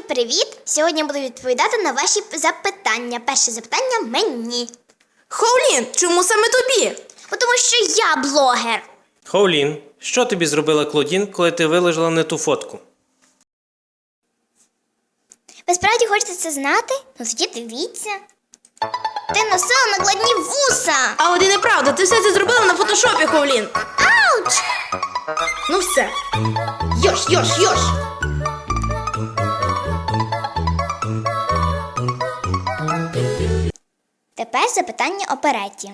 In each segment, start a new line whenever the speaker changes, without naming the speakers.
привіт! Сьогодні я буду відповідати на ваші запитання. Перше запитання мені.
Хоулін, чому саме тобі?
Тому що я блогер.
Хоулін, що тобі зробила Клодін, коли ти виложила не ту фотку?
Ви справді хочете це знати? Ну тоді дивіться. Ти носила накладні вуса.
А от і неправда, ти все це зробила на фотошопі, Хоулін.
Ауч!
Ну все. Йош.
Тепер запитання опереті.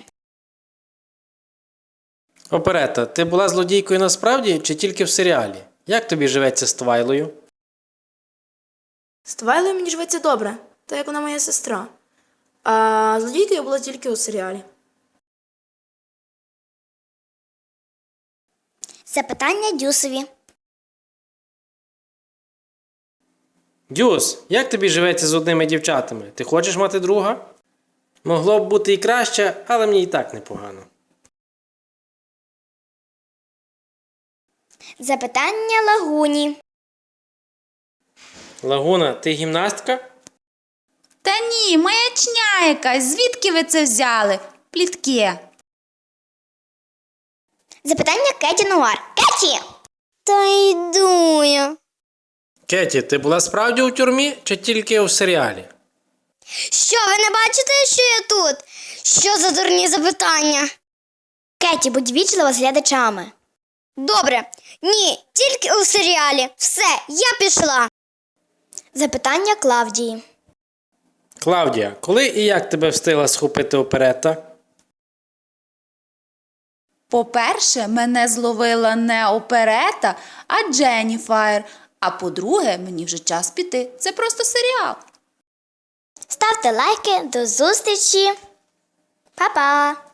Оперета, ти була злодійкою насправді чи тільки в серіалі? Як тобі живеться з Твайлою?
З Твайлою мені живеться добре, так як вона моя сестра. А злодійкою була тільки у серіалі.
Запитання Дюсові.
Дюс, як тобі живеться з одними дівчатами? Ти хочеш мати друга? Могло б бути і краще, але мені і так непогано.
Запитання Лагуні.
Лагуна, ти гімнастка?
Та ні, маячня якась. Звідки ви це взяли? Плітки.
Запитання Кеті Нуар. Кеті! Та йду я.
Кеті, ти була справді у тюрмі чи тільки у серіалі?
Що, ви не бачите, що я тут? Що за дурні запитання? Кеті, будь вічлива з глядачами. Добре. Ні, тільки у серіалі. Все, я пішла. Запитання Клавдії.
Клавдія, коли і як тебе встигла схопити оперета?
По-перше, мене зловила не оперета, а Дженніфер. А по-друге, мені вже час піти. Це просто серіал.
Ставте лайки. До зустрічі. Па-па.